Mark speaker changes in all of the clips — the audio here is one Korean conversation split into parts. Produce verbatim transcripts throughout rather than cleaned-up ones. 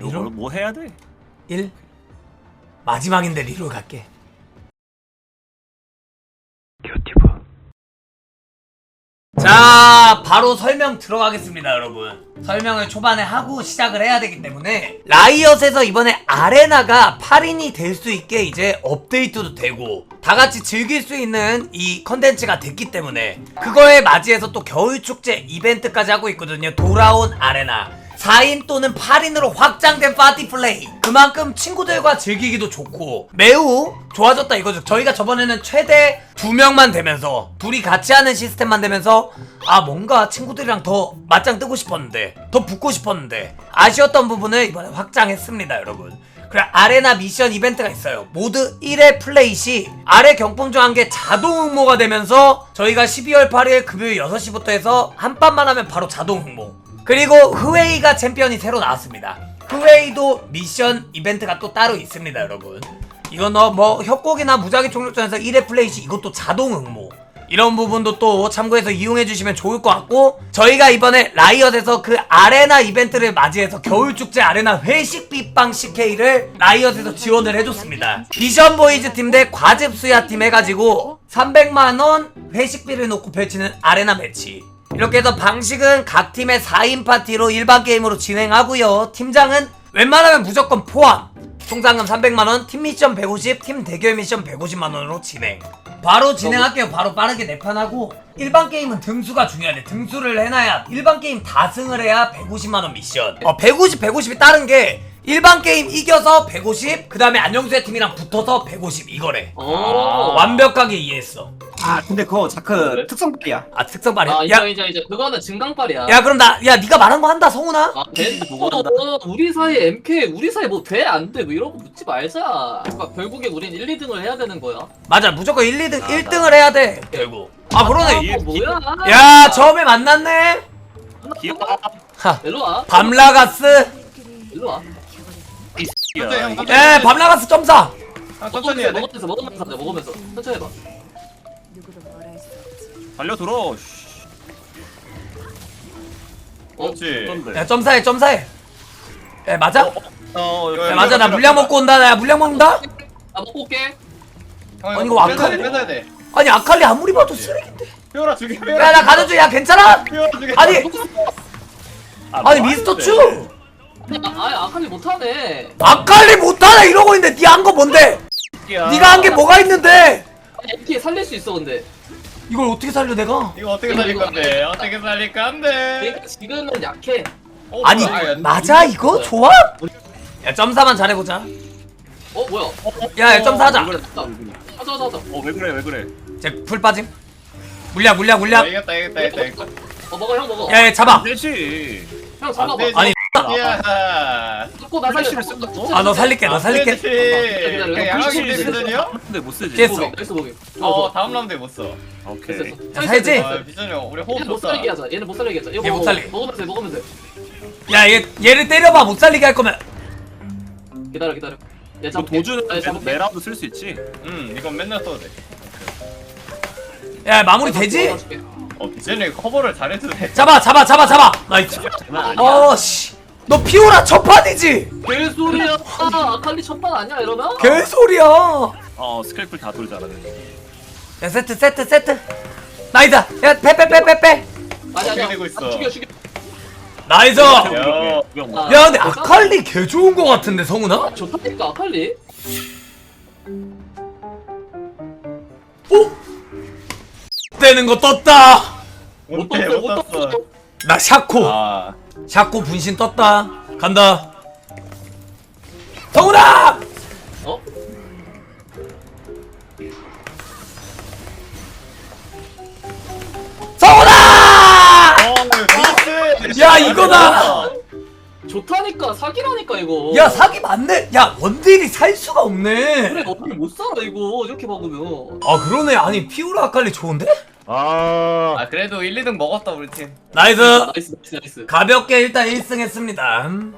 Speaker 1: 리롤?
Speaker 2: 뭐 해야 돼?
Speaker 1: 일? 마지막인데 리롤 갈게. 자, 바로 설명 들어가겠습니다, 여러분. 설명을 초반에 하고 시작을 해야 되기 때문에 라이엇에서 이번에 아레나가 팔 인이 될 수 있게 이제 업데이트도 되고 다같이 즐길 수 있는 이 컨텐츠가 됐기 때문에 그거에 맞이해서 또 겨울축제 이벤트까지 하고 있거든요. 돌아온 아레나 사 인 또는 팔 인으로 확장된 파티 플레이, 그만큼 친구들과 즐기기도 좋고 매우 좋아졌다 이거죠. 저희가 저번에는 최대 두 명만 되면서 둘이 같이 하는 시스템만 되면서 아 뭔가 친구들이랑 더 맞짱 뜨고 싶었는데 더 붙고 싶었는데 아쉬웠던 부분을 이번에 확장했습니다, 여러분. 그래, 아레나 미션 이벤트가 있어요. 모드 일 회 플레이 시 아래 경품 중 한 개 자동 응모가 되면서 저희가 십이월 팔일 금요일 여섯 시부터 해서 한 판만 하면 바로 자동 응모. 그리고 흐웨이가 챔피언이 새로 나왔습니다. 흐웨이도 미션 이벤트가 또 따로 있습니다, 여러분. 이건 뭐 협곡이나 무작위 총력전에서 일 회 플레이 시 이것도 자동 응모, 이런 부분도 또 참고해서 이용해주시면 좋을 것 같고, 저희가 이번에 라이엇에서 그 아레나 이벤트를 맞이해서 겨울축제 아레나 회식 빗방 씨케이를 라이엇에서 지원을 해줬습니다. 비전보이즈 팀 대 과즙수야 팀 해가지고 삼백만 원 회식비를 놓고 펼치는 아레나 매치. 이렇게 해서 방식은 각 팀의 사 인 파티로 일반 게임으로 진행하고요. 팀장은 웬만하면 무조건 포함. 총상금 삼백만 원, 팀 미션 백오십, 팀 대결 미션 백오십만 원으로 진행. 바로 진행할게요. 바로 빠르게 네 판 하고. 일반 게임은 등수가 중요하네. 등수를 해놔야 일반 게임 다 승을 해야 백오십만 원 미션. 어, 백오십, 백오십이 다른 게 일반 게임 이겨서 백오십, 그 다음에 안녕수의 팀이랑 붙어서 백오십 이거래.
Speaker 3: 오.
Speaker 1: 완벽하게 이해했어.
Speaker 4: 아 근데 그거 자크 특성빨이야.
Speaker 1: 아, 특성발이야?
Speaker 3: 아
Speaker 1: 야,
Speaker 3: 이제 이제 이제 그거는 증강빨이야.
Speaker 1: 야 그럼 나, 야 니가 말한 거 한다, 성훈아?
Speaker 3: 아, 돼? 어, 우리 사이 엠케이 우리 사이 뭐 돼 안 돼 뭐 이런 거 묻지 말자. 그러니까 결국에 우린 일, 이 등을 해야 되는 거야.
Speaker 1: 맞아, 무조건 일, 이 등,
Speaker 3: 아,
Speaker 1: 일 등을 해야 돼 결국. 아 그러네.
Speaker 3: 아, 뭐야?
Speaker 1: 야 처음에 만났네.
Speaker 2: 귀여워.
Speaker 1: 하,
Speaker 3: 일로 와.
Speaker 1: 밤라가스.
Speaker 3: 일로 와.
Speaker 1: 에 밤라가스 점사.
Speaker 4: 아 천천히 해야 돼.
Speaker 3: 먹으면서 먹으면서 하자. 먹으면서 천천히 해봐.
Speaker 2: 달려 들어.
Speaker 3: 어?
Speaker 4: 그렇지.
Speaker 1: 야 점사해, 점사해. 에 맞아?
Speaker 2: 어,
Speaker 1: 야 맞아, 나 물량 먹고 온다. 나 물량 먹는다.
Speaker 3: 나 먹고 올게.
Speaker 1: 아니, 이거 아까-
Speaker 4: 뺏어야 돼, 뺏어야 돼.
Speaker 1: 아니 아칼리 아무리 봐도 쓰레기인데.
Speaker 4: 피오라 죽여.
Speaker 1: 야 나 가는 중이야. 괜찮아?
Speaker 4: 피오라 죽여.
Speaker 1: 아니
Speaker 2: 아,
Speaker 1: 아니
Speaker 2: 뭐
Speaker 1: 미스터
Speaker 2: 하는데?
Speaker 1: 츄.
Speaker 3: 아, 아 아칼리 못하네.
Speaker 1: 아칼리 못하네 이러고 있는데 니 한 거 뭔데?
Speaker 2: 새끼야.
Speaker 1: 니가 한 게 뭐가 있는데?
Speaker 3: 엠케이 살릴 수 있어 근데.
Speaker 1: 이걸 어떻게 살려 내가?
Speaker 4: 이거 어떻게 살릴 건데? 어떻게 살릴 건데?
Speaker 3: 그러니까 지금은 약해.
Speaker 4: 어,
Speaker 1: 아니
Speaker 4: 뭐야,
Speaker 1: 맞아 이거? 좋아? 야 점사만 잘해보자.
Speaker 3: 어 뭐야?
Speaker 1: 야, 야 점사 하자.
Speaker 2: 왜 그래?
Speaker 3: 하자 하자 하자 하자.
Speaker 2: 어, 왜 그래? 왜 그래?
Speaker 1: 제 풀 빠짐. 물약 물약
Speaker 4: 아,
Speaker 1: 물약.
Speaker 4: 이겼다 이겼다 이겼다 이겼다.
Speaker 3: 어 먹어 형 먹어.
Speaker 1: 야, 야 잡아.
Speaker 2: 되지.
Speaker 3: 형 잡아봐.
Speaker 4: 되지.
Speaker 1: 아니
Speaker 4: 야.
Speaker 3: 잡고 나 살려.
Speaker 2: 플래시를 쓴다고?
Speaker 1: 아 너 살릴게, 너 살릴게.
Speaker 4: 그냥 양아기 비전이요?
Speaker 2: 근데 못 쓰지.
Speaker 1: 됐어.
Speaker 3: 나이스 보기.
Speaker 4: 어 다음 라운드에 못 써.
Speaker 2: 오케이.
Speaker 3: 됐어.
Speaker 1: 자, 살지?
Speaker 4: 아 비전이 형 우리 호흡
Speaker 3: 얘는 못
Speaker 4: 좋다.
Speaker 3: 살리게 하자. 얘는 못 살리게 하자. 이거
Speaker 1: 얘 못
Speaker 3: 먹어.
Speaker 1: 살리게.
Speaker 3: 먹으면 돼. 먹으면 돼.
Speaker 1: 야 얘 얘를 때려봐. 못 살리게 할 거면.
Speaker 3: 기다려 기다려. 얘
Speaker 2: 뭐
Speaker 3: 잡을게.
Speaker 2: 도주는
Speaker 3: 아, 잡을게.
Speaker 2: 내라도 쓸 수 있지.
Speaker 4: 응 이건 맨날 써도 돼.
Speaker 1: 야 마무리 되지?
Speaker 3: 잡아줄게.
Speaker 4: 어 비전이 커버를 잘해도 돼.
Speaker 1: 잡아 잡아 잡아 잡아. 나이스.
Speaker 2: 장난 아니야.
Speaker 1: 어씨. 너 피오라 첫 판이지?
Speaker 3: 개소리야. 아, 아칼리 첫판 아니야 이러면?
Speaker 1: 개소리야.
Speaker 2: 어, 스크래플 다 돌잖아.
Speaker 1: 야 세트 세트 세트. 나이스. 야 빼 빼 빼 빼 빼.
Speaker 3: 아니 아니야.
Speaker 4: 되고 있어.
Speaker 3: 아, 죽여 죽여.
Speaker 1: 나이스.
Speaker 4: 야.
Speaker 1: 야 근데 아칼리 개 좋은 거 같은데 성훈아?
Speaker 3: 좋다니까 아칼리.
Speaker 1: 오. 되는 거 떴다.
Speaker 3: 못
Speaker 4: 못해
Speaker 3: 떴어
Speaker 4: 못
Speaker 3: 못
Speaker 4: 떴어.
Speaker 3: 떴어.
Speaker 1: 나 샤코.
Speaker 4: 아
Speaker 1: 샤코 분신 떴다. 간다. 성훈아.
Speaker 3: 어?
Speaker 1: 성훈아.
Speaker 4: 어 미스.
Speaker 1: 야, 이거다.
Speaker 3: 좋다니까 사기라니까 이거.
Speaker 1: 야 사기 맞네. 야 원딜이 살 수가 없네.
Speaker 3: 그래 어떻게 못 살아 이거 이렇게 박으면.
Speaker 1: 아 그러네. 아니 피오라 아칼리 좋은데?
Speaker 2: 아.
Speaker 4: 아 그래도 일, 이 등 먹었다 우리 팀.
Speaker 1: 나이스.
Speaker 3: 나이스 나이스 나이스.
Speaker 1: 가볍게 일단 일 승 했습니다. 음.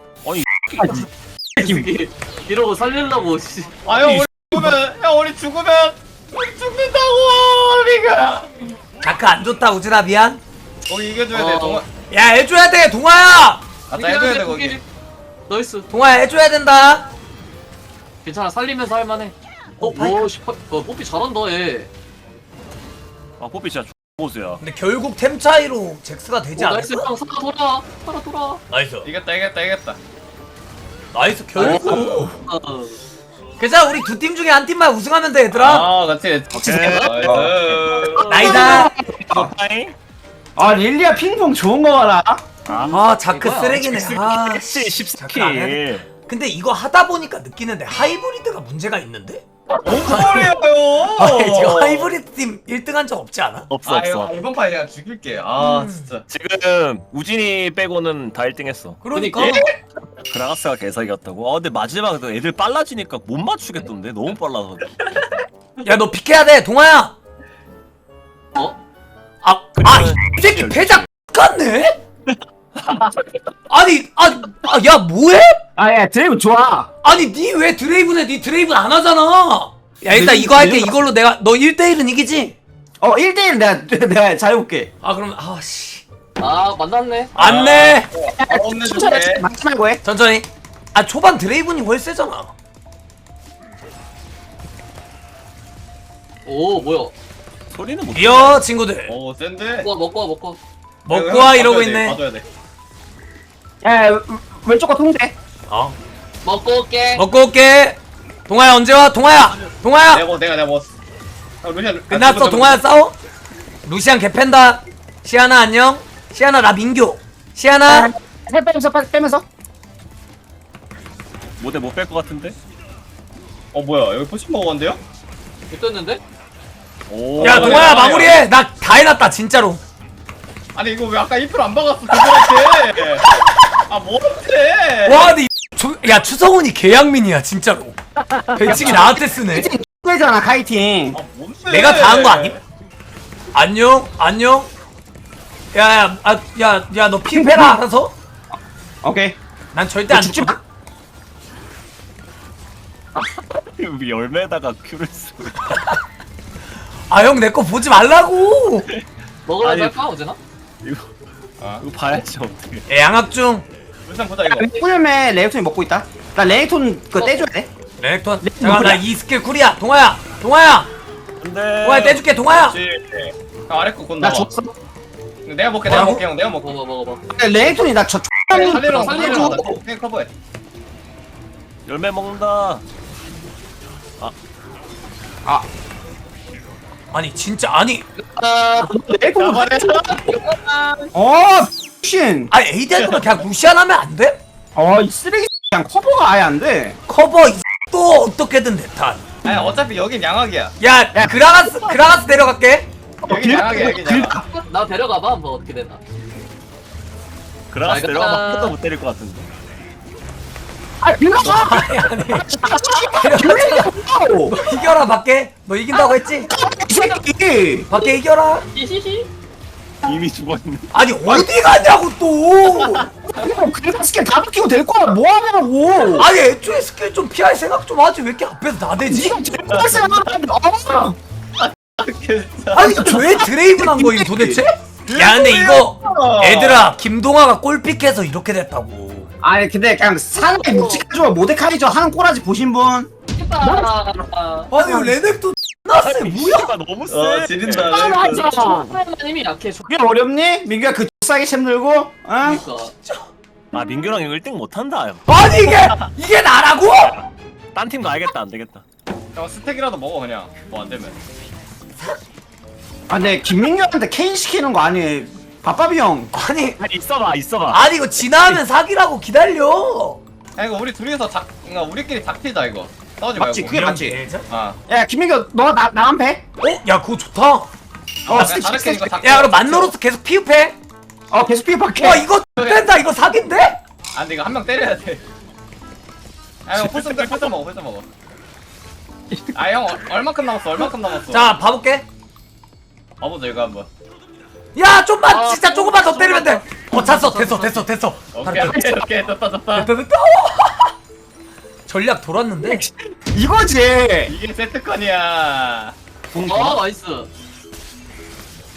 Speaker 3: 이게 이러고 살리려고 씨.
Speaker 4: 아 형 우리 죽으면 형 우리 죽으면 우리 죽는다고 우리가.
Speaker 1: 다크 안 좋다 우진아 미안.
Speaker 4: 거기 이겨줘야
Speaker 3: 어.
Speaker 4: 돼 동아.
Speaker 1: 야 해줘야 돼 동아야.
Speaker 4: 아따 해줘야 돼 거기.
Speaker 3: 나이스.
Speaker 1: 동아야 해줘야 된다.
Speaker 3: 괜찮아 살리면서 할만해. 어,
Speaker 1: 파이크.
Speaker 3: 오, 씨, 파- 어, 뽀삐 잘한다 얘.
Speaker 2: 아 뽀삐 진짜 보수야.
Speaker 1: 근데 결국 템 차이로 잭스가 되지
Speaker 3: 오, 나이스
Speaker 1: 않을까?
Speaker 3: 형 살아 돌아. 살아 돌아.
Speaker 1: 나이스.
Speaker 4: 이겼다 이겼다 이겼다.
Speaker 1: 나이스 결국.
Speaker 3: 어.
Speaker 1: 괜찮아 우리 두 팀 중에 한 팀만 우승하면 돼 얘들아.
Speaker 4: 아 같이.
Speaker 2: 오케이.
Speaker 4: 나이스.
Speaker 1: 나이다.
Speaker 2: 파이.
Speaker 5: 아 릴리아 핑퐁 좋은 거 봐라.
Speaker 1: 아 자크
Speaker 3: 이거야.
Speaker 1: 쓰레기네. 아
Speaker 2: 씨
Speaker 1: 자크 안 해야 돼.
Speaker 2: 십사 킬.
Speaker 1: 근데 이거 하다 보니까 느끼는데 하이브리드가 문제가 있는데?
Speaker 4: 뭔 소리예요?
Speaker 1: 아니 지금 하이브리드 팀 일 등 한 적 없지 않아?
Speaker 2: 없어
Speaker 4: 아
Speaker 2: 없어.
Speaker 4: 이거 이번 판 그냥 죽일게. 아
Speaker 1: 음.
Speaker 4: 진짜.
Speaker 2: 지금 우진이 빼고는 다 일 등 했어.
Speaker 1: 그러니까
Speaker 2: 그라가스가 개사기였다고. 아 근데 마지막에 애들 빨라지니까 못 맞추겠던데 너무 빨라서.
Speaker 1: 야 너 픽해야 돼 동아야.
Speaker 3: 어?
Speaker 1: 아, 아, 이 새끼 배작 같네? 아니, 아, 아, 야, 뭐해?
Speaker 5: 아야 드래곤 좋아.
Speaker 1: 아니, 니 왜 드레이븐 해? 니 드레이븐 안 하잖아. 야, 일단
Speaker 5: 내-
Speaker 1: 이거 할게.
Speaker 5: 내가-
Speaker 1: 이걸로 내가, 너 일 대 일은 이기지?
Speaker 5: 어 일 대 일 내가 내가 잘해볼게.
Speaker 1: 아, 그럼, 아, 씨.
Speaker 3: 아 만났네.
Speaker 1: 안 내.
Speaker 4: 아, 없는
Speaker 5: 천천히
Speaker 4: 중에.
Speaker 5: 맞지 말고 해.
Speaker 1: 천천히. 아, 초반 드레이븐이 훨 세잖아.
Speaker 3: 오 뭐야?
Speaker 2: 소리는 못.
Speaker 1: 이어, 친구들.
Speaker 4: 오 센데.
Speaker 3: 먹고 와 먹고 와 먹고. 와.
Speaker 1: 먹고 와, 이러고 있네.
Speaker 4: 봐줘야 돼.
Speaker 5: 야 왼- 왼쪽 거 통제.
Speaker 1: 어.
Speaker 3: 먹고 올게.
Speaker 1: 먹고 올게. 동아야, 언제 와? 동아야! 동아야!
Speaker 4: 내가 먹- 내가 내가 먹었어. 아, 루시안.
Speaker 1: 끝났어, 동아야 싸워? 루시안 개팬다. 시아나 안녕? 시아나 나 민규. 시아나?
Speaker 5: 살 빼면서 빼- 빼면서.
Speaker 2: 못해 못 뺄 것 같은데.
Speaker 4: 어 뭐야 여기 포션 먹었는데요?
Speaker 3: 됐는데?
Speaker 2: 오.
Speaker 1: 야
Speaker 4: 어,
Speaker 1: 동아야
Speaker 4: 어,
Speaker 1: 마무리해. 나 다 해놨다 진짜로.
Speaker 4: 아니 이거 왜 아까 이프로 안 박았어 그거한테. 아 뭐한테?
Speaker 1: 와 근데 이 조- 야 추성훈이 개양민이야 진짜로. 배치기 나한테 쓰네.
Speaker 5: 빼잖아 카이팅.
Speaker 4: 아 뭔데?
Speaker 1: 내가 다 한 거 아님? 안녕 안녕. 야야 아, 야야 너 핑패라 알아서?
Speaker 5: 오케이.
Speaker 1: 난 절대 안
Speaker 5: 죽지
Speaker 1: 죽거든.
Speaker 2: 우리 열매에다가 큐를 쓰고.
Speaker 1: 아형 내 거 보지 말라고.
Speaker 3: 먹으러
Speaker 2: 아니.
Speaker 3: 갈까 어제나?
Speaker 2: 이거
Speaker 4: 아
Speaker 2: 이거 봐야지 어떻게.
Speaker 1: 야, 양학 중.
Speaker 4: 루시안 보자 이거.
Speaker 5: 꿀매 레이톤이 먹고 있다. 나 레이톤 그거 떼줘야 돼.
Speaker 1: 레렉톤. 잠깐 나 이 스킬 쿨이야. 동아야 동아야
Speaker 2: 근데.
Speaker 1: 동아야 떼줄게 동아야.
Speaker 4: 그렇지. 아, 아래 거곧
Speaker 5: 나
Speaker 4: 나와.
Speaker 5: 줬어.
Speaker 4: 내가 먹게 내가
Speaker 1: 뭐라고?
Speaker 4: 먹게 형 내가 먹게.
Speaker 3: 먹어 먹어 먹어.
Speaker 5: 레이톤이 나저
Speaker 4: 살리러 살리러
Speaker 3: 살리러
Speaker 4: 가자. 그냥 커버해.
Speaker 2: 열매 먹는다.
Speaker 1: 아니 진짜 아니.
Speaker 3: 아,
Speaker 5: 레이톤.
Speaker 4: 나발해.
Speaker 5: 어 신.
Speaker 1: 아니 에이디 할 거면 그냥 루시안 하면 안 돼?
Speaker 5: 어이 쓰레기 그냥 커버가 아예 안 돼.
Speaker 1: 커버 이 또 어떻게든 대탄.
Speaker 4: 아니 어차피 여긴 양악이야.
Speaker 1: 야,
Speaker 5: 야.
Speaker 1: 그라가스 그라가스 내려갈게.
Speaker 4: 여긴 양악이야 여긴 양악.
Speaker 3: 나 데려가봐 한번 어떻게 되나.
Speaker 2: 그라가스
Speaker 3: 알겠다.
Speaker 2: 내려가면 한 번도 못 때릴 것 같은데.
Speaker 5: 아 빌라.
Speaker 1: 아니 아니.
Speaker 5: 빌라고.
Speaker 1: 너 이겨라 밖에. 너 이긴다고 했지?
Speaker 5: 이 새끼.
Speaker 1: 밖에 이겨라.
Speaker 3: 히히히.
Speaker 2: 이미 죽었네.
Speaker 1: 아니 어디 가냐고 또.
Speaker 5: 그냥 스킬 다 바뀌고 될 거야. 뭐 하냐고.
Speaker 1: 아니 애초에 스킬 좀 피할 생각 좀 하지 왜 이렇게 앞에서 나대지?
Speaker 5: 지금 제일 빡세. 어.
Speaker 1: 아니 왜 드레이븐 한 거임 도대체? 야 근데 이거 애들아 김동아가 골픽해서 이렇게 됐다고.
Speaker 5: 아니 근데 그냥 사나이 묵직해줘 모데카이저 하는 꼬라지 보신 분?
Speaker 3: 아,
Speaker 1: 아니 레넥도 나세 뭐야?
Speaker 2: 씨가 너무 세.
Speaker 4: 어 지린다.
Speaker 5: 아 맞아.
Speaker 3: 힘이 약해.
Speaker 5: 그게 어렵니? 민규야 그 싸게 챔 들고? 어?
Speaker 3: 그러니까.
Speaker 2: 아 민규랑 이거 일 등 못한다.
Speaker 1: 아니 이게 이게 나라고?
Speaker 2: 딴 팀 가야겠다. 안 되겠다.
Speaker 4: 형 스택이라도 먹어 그냥. 뭐 안 되면.
Speaker 5: 아 근데 김민규한테 케인 시키는 거 아니? 밥밥이 형.
Speaker 1: 아니
Speaker 2: 아니 있어봐 있어봐.
Speaker 1: 아니 이거 지나면 사기라고 기다려.
Speaker 4: 아 이거 우리 둘이서 작, 그러니까 우리끼리 닥치자 이거. 싸우지
Speaker 5: 맞지,
Speaker 4: 말고.
Speaker 5: 그게 맞지.
Speaker 1: 예전?
Speaker 4: 아.
Speaker 5: 야 김민규 너나 나만 패?
Speaker 1: 어? 야 그거 좋다.
Speaker 5: 어
Speaker 4: 그냥
Speaker 5: 스틱
Speaker 4: 다른
Speaker 5: 스틱
Speaker 4: 이거
Speaker 5: 스틱.
Speaker 4: 닥쳐.
Speaker 1: 야 그럼 만노로스 계속 피흡해.
Speaker 5: 어 계속 피박해.
Speaker 1: 와 이거 된다 이거 사기인데?
Speaker 4: 아 근데 이거 한 명 때려야 돼. 아 형 포션 때 포션 먹어 포션 먹어. 아 형 얼마큼 남았어 얼마큼 남았어.
Speaker 1: 자 봐볼게.
Speaker 4: 봐보자 이거 한번.
Speaker 1: 야 좀만
Speaker 3: 아,
Speaker 1: 진짜 조금만 더 때리면 돼. 어 찼어 됐어 됐어 됐어.
Speaker 4: 오케이 오케이 오케이 됐다 됐다.
Speaker 1: 됐다 됐다. 전략 돌았는데.
Speaker 5: 이거지.
Speaker 4: 이게 세트컨이야.
Speaker 3: 아 나이스.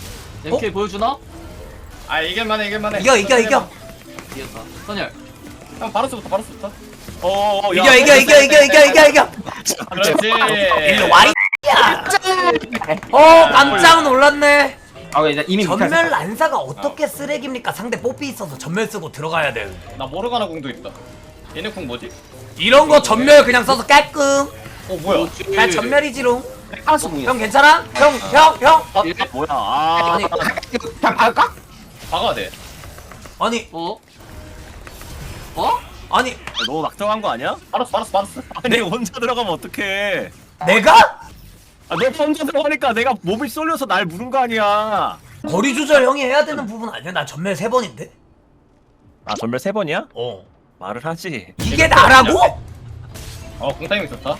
Speaker 3: 엠케이 보여주나?
Speaker 4: 아 이길만해 이길만해.
Speaker 1: 이겨 이겨 이겨.
Speaker 3: 이겼다. 선열.
Speaker 4: 형 바로스부터 바로스부터.
Speaker 2: 어,
Speaker 1: 이겨 이겨 이겨 이겨 이겨 이겨 이겨.
Speaker 4: 그렇지.
Speaker 1: 일로 와 이야. 어 깜짝 놀랐네.
Speaker 5: 아 이제 이미
Speaker 1: 전멸 난사가 어떻게 쓰레기입니까? 상대 뽀삐 있어서 전멸 쓰고 들어가야 돼.
Speaker 4: 나 모르가나 궁도 있다. 얘네 궁 뭐지?
Speaker 1: 이런 거 전멸 그냥 써서 깔끔.
Speaker 4: 어 뭐야?
Speaker 1: 그냥 전멸이지롱.
Speaker 5: 카라스 궁이야.
Speaker 1: 형 괜찮아? 형 형 형.
Speaker 2: 아, 뭐야? 아,
Speaker 1: 아니
Speaker 5: 그냥 박을까?
Speaker 4: 박아야 돼.
Speaker 1: 아니
Speaker 3: 어? 어?
Speaker 1: 아니
Speaker 2: 너무 막정한 거 아니야?
Speaker 4: 바로스 바로스 바로스.
Speaker 2: 아니 혼자 들어가면 어떡해?
Speaker 1: 내가
Speaker 2: 아, 너 혼자 들어가니까 내가 몸이 쏠려서 날 무는 거 아니야?
Speaker 1: 거리 조절 형이 해야 되는 부분 아니야? 나 전멸 세 번인데.
Speaker 2: 아 전멸 세 번이야?
Speaker 1: 어.
Speaker 2: 말을 하지.
Speaker 1: 이게 나라고?
Speaker 4: 어 궁타이밍 좋다.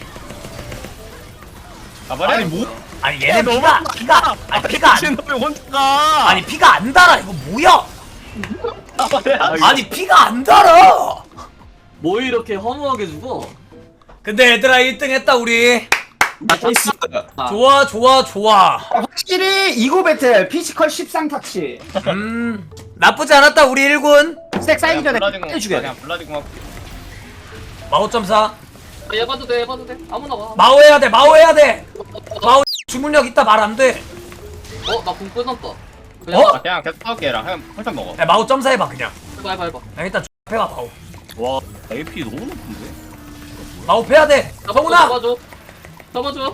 Speaker 4: 가버려.
Speaker 2: 아니 뭐?
Speaker 1: 아니 얘네 피가 피가 아니 피가 안
Speaker 2: 미친 놈이 혼자 가.
Speaker 1: 아니 피가 안 달아 이거 뭐야?
Speaker 4: 가버려.
Speaker 1: 아니 피가 안 달아.
Speaker 3: 뭐 이렇게 허무하게 죽어?
Speaker 1: 근데 얘들아 일 등 했다 우리.
Speaker 5: 나이스.
Speaker 3: 아,
Speaker 1: 좋아 좋아 좋아.
Speaker 5: 확실히 이고 배틀 피지컬 십상 터치.
Speaker 1: 음 나쁘지 않았다 우리 일 군.
Speaker 5: 스택 쌓이기 전에
Speaker 4: 블라디 궁
Speaker 5: 해주게.
Speaker 4: 그냥 블라디 궁.
Speaker 1: 마오 점 사.
Speaker 3: 얘 봐도 돼, 얘 봐도 돼. 아무나 와.
Speaker 1: 마오 해야 돼 마오 해야 돼. 마오 주문력 있다 말 안 돼.
Speaker 3: 어, 나 궁 끊었다.
Speaker 1: 어?
Speaker 3: 그냥
Speaker 4: 그냥 계속 싸울게 얘랑. 형 펄쩍 먹어.
Speaker 1: 야 마오 점사 해봐 그냥.
Speaker 3: 해봐, 해봐, 해봐.
Speaker 1: 야, 일단 해봐 마오.
Speaker 2: 와 에이피 너무 높은데?
Speaker 1: 마오 패야 돼. 성훈아
Speaker 3: 잡아줘. 잡아줘.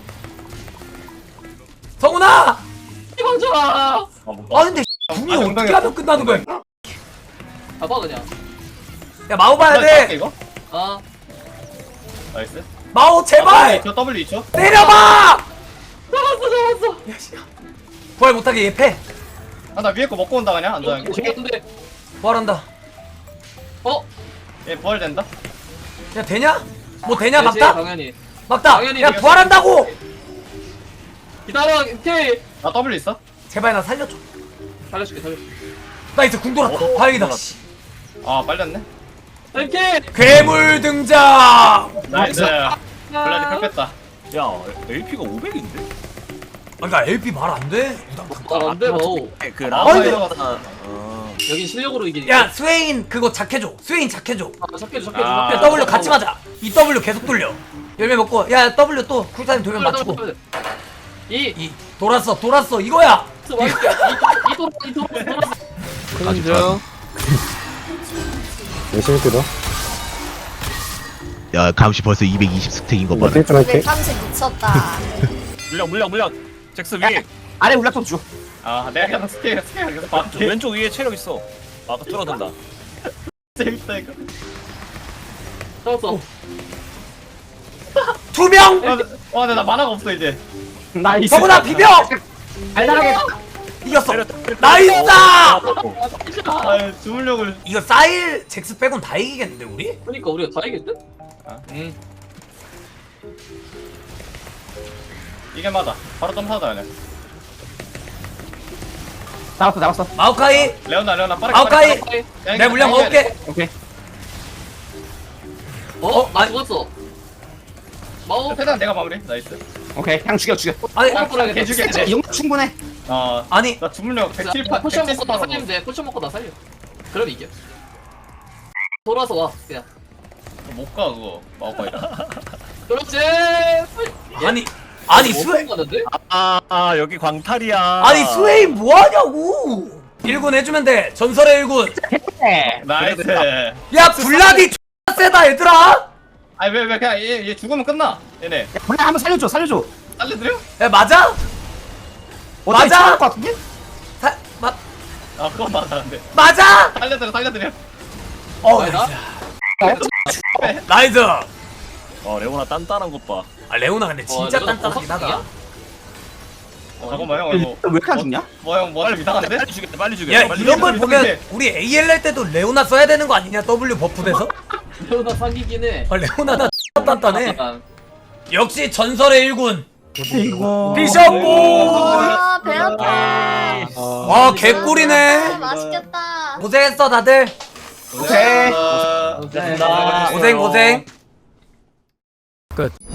Speaker 1: 성훈아.
Speaker 3: 잡아줘.
Speaker 2: 아, 뭐,
Speaker 1: 아 근데 궁이
Speaker 4: 아,
Speaker 1: 어떻게
Speaker 4: 엉덩이
Speaker 1: 하면 끝나는 거야?
Speaker 3: 잡아 그냥.
Speaker 1: 야 마오 봐야
Speaker 4: 블라디 싸울게,
Speaker 1: 돼.
Speaker 4: 이거.
Speaker 3: 아,
Speaker 4: 나이스.
Speaker 1: 마오 제발
Speaker 4: 저 W 있죠?
Speaker 1: 때려봐.
Speaker 3: 잡았어, 잡았어.
Speaker 1: 부활 못하게 얘 패.
Speaker 4: 아나 위에 거 먹고 온다 그냥 안전하게.
Speaker 3: 근데,
Speaker 1: 부활한다.
Speaker 3: 어?
Speaker 4: 얘 부활된다.
Speaker 1: 야 되냐? 뭐 되냐
Speaker 3: 되지,
Speaker 1: 막다?
Speaker 3: 당연히.
Speaker 1: 막다.
Speaker 3: 당연히
Speaker 1: 야
Speaker 3: 되겠어.
Speaker 1: 부활한다고.
Speaker 3: 기다려, 오케이.
Speaker 4: 나 W 있어.
Speaker 1: 제발 나 살려줘.
Speaker 3: 살려줄게, 살려줄게.
Speaker 1: 나이스 궁 돌았다.
Speaker 2: 오,
Speaker 1: 다행이다.
Speaker 2: 돌았다.
Speaker 1: 씨.
Speaker 4: 아 빨렸네.
Speaker 3: 오케이.
Speaker 1: 괴물 등장.
Speaker 4: 나이스. 블라디 펄 뺐다.
Speaker 2: 야 에이피가 오백인데?
Speaker 1: 아, 그러니까 엘피 말 안 돼.
Speaker 3: 아, 안 돼, 뭐.
Speaker 2: 그
Speaker 4: 아,
Speaker 2: 라마에
Speaker 4: 이거-
Speaker 2: 어.
Speaker 3: 여긴 실력으로 이기니까.
Speaker 1: 야 스웨인 그거 작해줘. 스웨인 작해줘.
Speaker 3: 아, 잡혀줘, 잡혀줘,
Speaker 4: 아,
Speaker 3: 잡혀줘.
Speaker 1: W 같이 맞아. 이 W 계속 돌려. 열매 먹고 야 W 또 쿨타임 돌면 맞추고.
Speaker 3: 이,
Speaker 1: 이 돌았어 돌았어 이거야.
Speaker 3: 이, 이, 이 돌아, 이 돌아, 이 돌아.
Speaker 6: 아주 열심히 뜯어. 야 감시 벌써 이백이십 스택인 거 봐라.
Speaker 7: 이백삼십 미쳤다.
Speaker 2: 물량 물량 물량. 잭스 위에.
Speaker 5: 아래 울락도 줘.
Speaker 4: 아 내가 그냥 스케일 스케일 계속
Speaker 2: 저
Speaker 4: 봐줄게.
Speaker 2: 왼쪽 위에 체력 있어. 아까 뚫어둔다.
Speaker 4: 재밌다 이거.
Speaker 3: 잡았어.
Speaker 1: 두 명.
Speaker 4: 와, 와, 근데 나 만화가 없어 이제.
Speaker 5: 나이스.
Speaker 1: 성훈아 비벼.
Speaker 5: 달달하게.
Speaker 1: 이겼어.
Speaker 2: 때려, 때려.
Speaker 1: 나이스.
Speaker 4: 아, 주물력을.
Speaker 1: 이거 사일 잭스 빼곤 다 이기겠는데 우리?
Speaker 3: 그러니까 우리가 다 이겼대?
Speaker 1: 응.
Speaker 4: 이게 맞아. 바로 점사다 그냥.
Speaker 5: 나왔어 나왔어.
Speaker 1: 마오카이.
Speaker 4: 레오나 레오나 빠르게.
Speaker 1: 마오카이.
Speaker 4: 빠르게.
Speaker 1: 내 물량 먹을게.
Speaker 5: 오케이.
Speaker 3: 어? 나
Speaker 1: 아니.
Speaker 3: 죽었어. 마오.
Speaker 4: 최대한 내가 마무리. 나이스.
Speaker 5: 오케이. 그냥 죽여 죽여.
Speaker 1: 아니
Speaker 3: 뻔뻔하게
Speaker 4: 개죽여.
Speaker 5: 이 정도 충분해.
Speaker 4: 어.
Speaker 1: 아니
Speaker 4: 나 주물력 백칠 파.
Speaker 3: 포션 먹고 다 살리면 돼. 포션 먹고 다 살려. 그럼 이겨. 돌아서 와. 그냥.
Speaker 4: 못가 그거. 마오카이다.
Speaker 3: 그렇지.
Speaker 1: 아니 아니
Speaker 3: 뭐
Speaker 1: 스웨
Speaker 3: 가는데?
Speaker 2: 아, 아 여기 광탈이야.
Speaker 1: 아니 스웨인 뭐 하냐고. 일 군 해주면 돼. 전설의 일 군.
Speaker 5: 네.
Speaker 4: 나이스.
Speaker 1: 야 블라디 X 세다 얘들아.
Speaker 4: 아니 왜 왜 그냥 얘, 얘 죽으면 끝나. 얘네.
Speaker 5: 야, 그래 한번 살려줘 살려줘.
Speaker 4: 살려드려?
Speaker 1: 야 맞아?
Speaker 5: 어차피
Speaker 1: 맞아.
Speaker 5: 참을 것 같은데?
Speaker 1: 사, 마,
Speaker 4: 아 그건 맞았는데.
Speaker 1: 맞아?
Speaker 4: 살려드려 살려드려.
Speaker 1: 어
Speaker 3: 아니,
Speaker 1: 나이스.
Speaker 5: 나?
Speaker 1: 나이스.
Speaker 2: 어 레오나 단단한 것 봐.
Speaker 1: 아 레오나 근데 진짜
Speaker 3: 어, 레오나
Speaker 1: 단단하긴 하다.
Speaker 3: 버섯이야?
Speaker 4: 어, 잠깐만 형 이거.
Speaker 5: 왜 이렇게 안 죽냐?
Speaker 4: 뭐형 뭐가 좀 이상한데?
Speaker 2: 빨리 죽여 빨리 죽여.
Speaker 1: 야
Speaker 2: 빨리
Speaker 1: 이런
Speaker 2: 죽여.
Speaker 1: 걸 보면
Speaker 4: 근데-
Speaker 1: 우리 에이엘 할 때도 레오나 써야 되는 거 아니냐? W 버프돼서?
Speaker 3: 레오나 사기긴 해.
Speaker 1: 아 레오나나 단단해.
Speaker 3: 아,
Speaker 1: 역시 전설의 일 군.
Speaker 5: 이거.
Speaker 1: 비숍볼.
Speaker 7: 아 배웠다.
Speaker 1: 와 개꿀이네.
Speaker 7: 맛있겠다.
Speaker 1: 고생했어 다들.
Speaker 5: 오케이.
Speaker 4: 어,
Speaker 2: 고생했습니다.
Speaker 1: 고생 고생. 끝.